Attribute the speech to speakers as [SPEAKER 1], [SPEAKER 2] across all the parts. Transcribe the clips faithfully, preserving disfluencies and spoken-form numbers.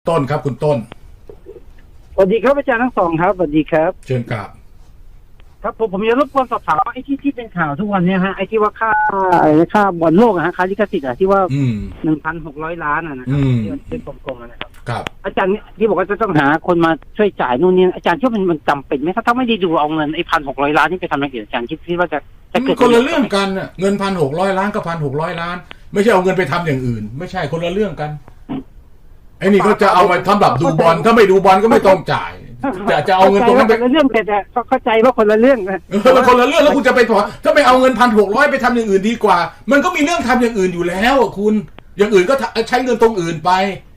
[SPEAKER 1] ต้นครับคุณต้น
[SPEAKER 2] สวัสดีครับอาจารย์ทั้งสองครับสวัสดีครับ
[SPEAKER 1] เชิญกราบ
[SPEAKER 2] ครับผมผมจะรบกวนสอบถามว่าไอ้ที่ที่เป็นข่าวทุกวันเนี้ยฮะไอ้ที่ว่าค่าอะไรนะค่าบอลโลกอะฮะค่าลิขสิทธิ์อะที่ว่าหนึ่งพันหกร้อยล้านอะนะครับที่เป็นกลมๆนะครับ
[SPEAKER 1] ครับ
[SPEAKER 2] อาจารย์ที่บอกว่าจะต้องหาคนมาช่วยจ่ายนู่นนี่อาจารย์คิดว่ามันมันจำเป็นไหมถ้าถ้าไม่ได้ดูเอาเงินไอ้พันหกร้อยล้านนี่ไปทำอะไรเกี่ยวอาจารย์คิดคิดว่าจะจะเกิด
[SPEAKER 1] คนละเรื่องกันอะเงินพันหกร้อยล้านกับพันหกร้อยล้านไม่ใช่เอาเงินไปทำอย่างอื่นไม่ใช่คนละเรื่องกันไอ้นี่ก็จะเอาไปทำแบบดูบอลถ้าไม่ดูบอลก็ไม่ต้องจ่ายจะจะเอาเงินตรงนั้นไป
[SPEAKER 2] คนละเรื่องแต่เข้าใจว่าคนละเรื่องนะ
[SPEAKER 1] มันคนละเรื่องแล้วคุณจะไปพอถ้าไม่เอาเงินพันหกร้อยไปทำอย่างอื่นดีกว่ามันก็มีเรื่องทำอย่างอื่นอยู่แล้วคุณอย่างอื่นก็ใช้เงินตรงอื่นไป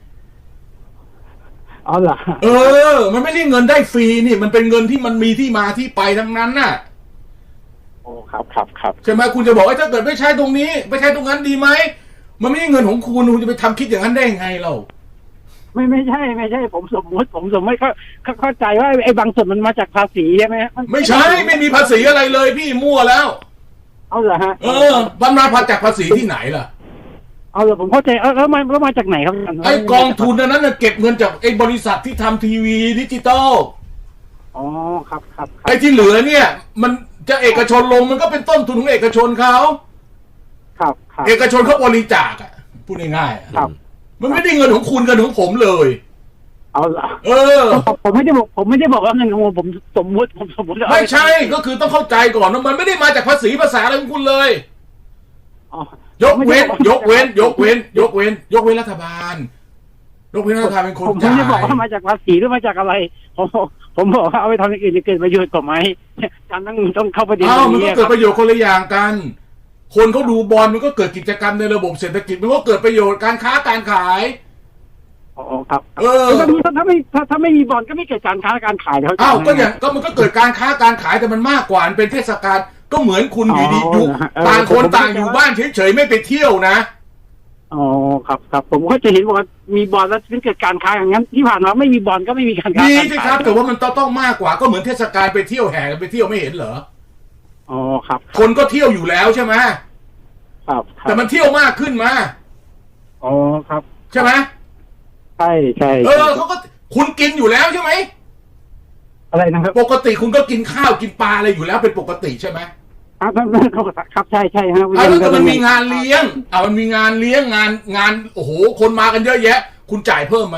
[SPEAKER 2] อ๋อเหรอ
[SPEAKER 1] เออมันไม่ใช่เงินได้ฟรีนี่มันเป็นเงินที่มันมีที่มาที่ไปทั้งนั้นน่ะ
[SPEAKER 2] โอ้ครับครับครับ
[SPEAKER 1] ใช่ไหมคุณจะบอกว่าถ้าเกิดไม่ใช้ตรงนี้ไม่ใช้ตรงนั้นดีไหมมันไม่ใช่เงินของคุณคุณจะไปทำคิดอย่างนั้นได้ยังไงเรา
[SPEAKER 2] ไม่ไม่ใช่ไม่ใช่ผมสมมติผมสมมติเขาเข้าใจว่าไอ้บางส่วนมันมาจากภาษีใช่ไหม
[SPEAKER 1] ไม่ใช่ไม่มีภาษีอะไรเลยพี่มั่วแล้ว
[SPEAKER 2] เอาเหรอฮะ
[SPEAKER 1] เออบันมาพาจากภาษีที่ไหนล่ะ
[SPEAKER 2] เอาเหรอผมเข้าใจเออแล้วมาแล้วมาจากไหนครับ
[SPEAKER 1] ไอ้กองทุนนั้นน่ะเก็บเงินจากไอ้บริษัทที่ทำทีวีดิจิตอล
[SPEAKER 2] อ๋อครับครับ
[SPEAKER 1] ไอ้ที่เหลือเนี่ยมันจะเอกชนลงมันก็เป็นต้นทุนของเอกชนเขา
[SPEAKER 2] ครับครับ
[SPEAKER 1] เอกชนเขาบริจาคอ่ะพูดง่ายๆครับมันไม่ได้เงินของคุณกับของผมเลย
[SPEAKER 2] เอาละ
[SPEAKER 1] เออ
[SPEAKER 2] ผมไม่ได้บอกผมไม่ได้บอกว่าเงินของผมสมมติผมสมมติ
[SPEAKER 1] ไม่ใช่ก็คือต้องเข้าใจก่อนว่ามันไม่ได้มาจากภาษีภาษาอะไรของคุณเลยยกเว้นยกเว้นยกเว้นยกเว้นยกเว้นรัฐบาลยกเว้นรัฐบาลเป็นคนจ่าย
[SPEAKER 2] ผมไม่ได้บอกว่ามาจากภาษีหรือมาจากอะไรผมผมบอกว่าเอาไปทำอย่างอื่นจะเกิดประโยชน์กว่าไหมการต้องต้องเข้าประเด็นนี้
[SPEAKER 1] มันก็เกิดประโยชน์คนละอย่างกันคนเขาดูบอลมันก็เกิดกิจกรรมในระบบเศรษฐกิจมันก็เกิดประโยชน์การค้าการขาย
[SPEAKER 2] อ๋อครับเออถ้าถ้าไม่ถ้าถ้าไม่มีบอลก็ไม่เกิดการค้าการขายแล้ว
[SPEAKER 1] อ้าวก็อย่างก็มันก็เกิดการค้าการขายแต่มันมากกว่าเป็นเทศกาลก็เหมือนคุณอยู่ดีอยู่ต่างคนต่างอยู่บ้านเฉยๆไม่ไปเที่ยวนะ
[SPEAKER 2] อ๋อครับครับผมก็จะเห็นว่ามีบอลแล้วถึงเกิดการค้าอย่างนั้นที่ผ่านมาไม่มีบอลก็ไม่มีการค้า
[SPEAKER 1] มีสิครับแต่ว่ามันต้องต้องมากกว่าก็เหมือนเทศกาลไปเที่ยวแห่กันไปเที่ยวไม่เห็นเหรอ
[SPEAKER 2] อ๋อครับ
[SPEAKER 1] คนก็เที่ยวอยู่แล้วใช่ไหม
[SPEAKER 2] ครับ
[SPEAKER 1] แต่มันเที่ยวมากขึ้นมา
[SPEAKER 2] อ๋อครับ
[SPEAKER 1] ใช่ไหม
[SPEAKER 2] ใช่ใช่
[SPEAKER 1] เออเขาก็คุณกินอยู่แล้วใช่ไหม
[SPEAKER 2] อะไรนะครับ
[SPEAKER 1] ปกติคุณก็กินข้าวกินปลาอะไรอยู่แล้วเป็นปกติใช่ไหม
[SPEAKER 2] ครับครับใช่ใช่ครับ
[SPEAKER 1] แล้วมันมีงานเลี้ยงอ่ามันมีงานเลี้ยงงานงานโอ้โหคนมากันเยอะแยะคุณจ่ายเพิ่มไหม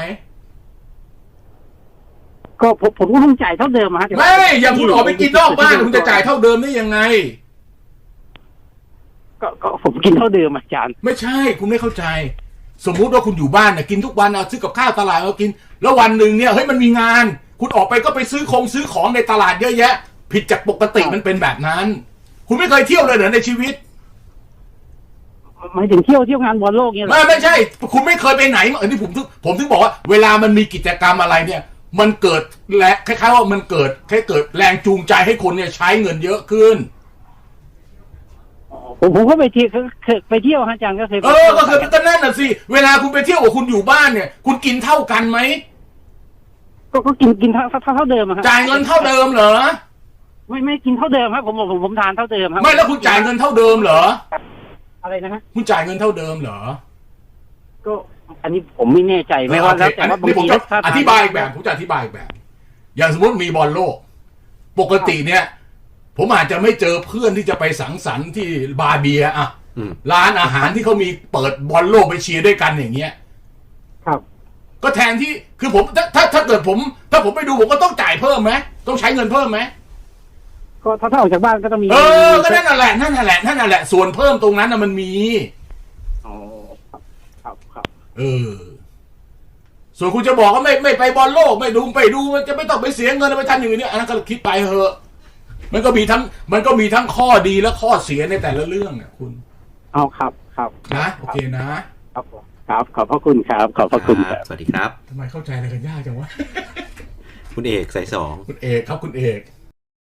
[SPEAKER 2] ก็ผมผมก็ต้องจ่ายเท่าเดิมฮะ
[SPEAKER 1] ไม่อย่างคุณออกไปกินนอกบ้านคุณจะจ่ายเท่าเดิมได้ยังไง
[SPEAKER 2] ก็ก็ผมกินเท่าเดิมอาจารย์
[SPEAKER 1] ไม่ใช่คุณไม่เข้าใจสมมุติว่าคุณอยู่บ้านเนี่ยกินทุกวันเอาซื้อกับข้าวตลาดเอากินแล้ววันหนึ่งเนี่ยเฮ้ยมันมีงานคุณออกไปก็ไปซื้อของซื้อของในตลาดเยอะแยะผิดจากปกติมันเป็นแบบนั้นคุณไม่เคยเที่ยวเลยเหรอในชีวิต
[SPEAKER 2] หมายถึงเที่ยวเที่ยวงานบอลโลกเนี่ย
[SPEAKER 1] ไม่ไม่ใช่คุณไม่เคยไปไหนเออที่ผมถึงผมถึงบอกว่าเวลามันมีกิจกรรมอะไรเนี่ยมันเกิดและคล้ายๆว่ามันเกิดแค่เกิดแรงจูงใจให้คนเนี่ยใช้เงินเยอะขึ้น
[SPEAKER 2] ผมผมก็ไปเที่ยวไปเที่ยวอาจารย์ก็เคย
[SPEAKER 1] เออก็คือก็นั่นน่ะสิเวลาคุณไปเที่ยวกับคุณอยู่บ้านเนี่ยคุณกินเท่ากันไหม
[SPEAKER 2] ก็ก็กินกินเท่าเท่าเท่าเดิมอะ
[SPEAKER 1] จ่ายเงินเท่าเดิมเหรอ
[SPEAKER 2] ไม่ไม่กินเท่าเดิมครับผมผมผมทานเท่าเดิมครับ
[SPEAKER 1] ไม่แล้วคุณจ่ายเงินเท่าเดิมเหรอ
[SPEAKER 2] อะไรนะฮะ
[SPEAKER 1] คุณจ่ายเงินเท่าเดิมเหรอ
[SPEAKER 2] ก็อันนี้ผมไม่แน่ใจไม่ว่าแล้วแต่ว่าบางที
[SPEAKER 1] อธิบายแบบผมจะอธิบายแบบอย่างสมมติมีบอลโลกปกติเนี่ยผมอาจจะไม่เจอเพื่อนที่จะไปสังสรรค์ที่บาร์เบียอะร้านอาหารที่เขามีเปิดบอลโลกไปเชียร์ด้วยกันอย่างเงี้ย
[SPEAKER 2] ครับ
[SPEAKER 1] ก็แทนที่คือผมถ้าถ้าถ้าเกิดผมถ้าผมไปดูผมก็ต้องจ่ายเพิ่มไหมต้องใช้เงินเพิ่มไหม
[SPEAKER 2] ก็ถ้าถ้าออกจากบ้านก็ต้องมี
[SPEAKER 1] เออก็นั่นแหละนั่นแหละนั่นแหละส่วนเพิ่มตรงนั้นน่ะมันมี
[SPEAKER 2] อ๋อครับครับ
[SPEAKER 1] เออส่วนคุณจะบอกว่าไม่ไม่ไปบอลโลกไม่ดูไปดูมันจะไม่ต้องไปเสียเงินไปทำอย่างนี้อันนั้นก็คิดไปเถอะมันก็มีทั้งมันก็มีทั้งข้อดีและข้อเสียในแต่ละเรื่องอ่ะคุณ
[SPEAKER 2] เอาครับครับ
[SPEAKER 1] นะโอเคนะครับ
[SPEAKER 2] ครับขอบพระคุณครับขอบพระคุณ
[SPEAKER 3] สวัสดีครับ
[SPEAKER 1] ทำไมเข้าใจอะไรกันยากจังวะ
[SPEAKER 3] คุณเอกสายสอง
[SPEAKER 1] คุณเอกครับคุณเอก